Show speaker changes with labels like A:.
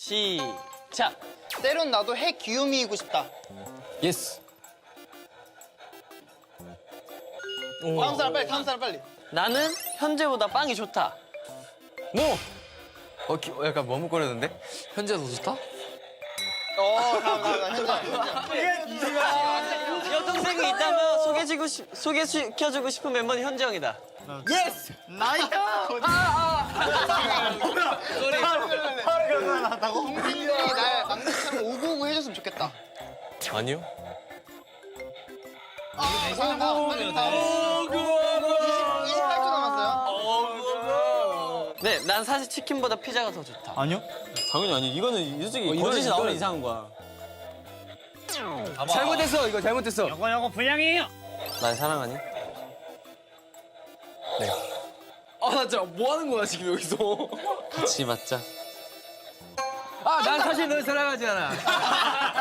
A: 시작.
B: 때론 나도 해 귀요미이고 싶다.
C: 예스.
B: 다음 사람 빨리, 다음 사람 빨리.
A: 나는 현재보다 빵이 좋다.
C: 뭐? 약간 머뭇거리는데? 현재가 더 좋다?
B: 다음, 현재.
A: 여동생이 있다면 소개시켜주고 싶은 멤버는 현재 형이다.
C: 예스!
B: 나이스! 동생들이 날 막내처럼 오구오구 해줬으면 좋겠다.
C: 아니요.
B: 오구오구. 28초 남았어요.
A: 네, 난 사실 치킨보다 피자가 더 좋다.
D: 아니요?
C: 당연히 아니. 이거는 솔직히
D: 거짓이 나오면
C: 이상한 거야. 잘못했어. 이거 잘못했어.
D: 요거 불량이에요.
A: 날 사랑하니?
C: 네. 아, 나 진짜 뭐 하는 거야, 지금 여기서.
A: 같이 맞자.
C: 아, 난 사실 널 사랑하지 않아.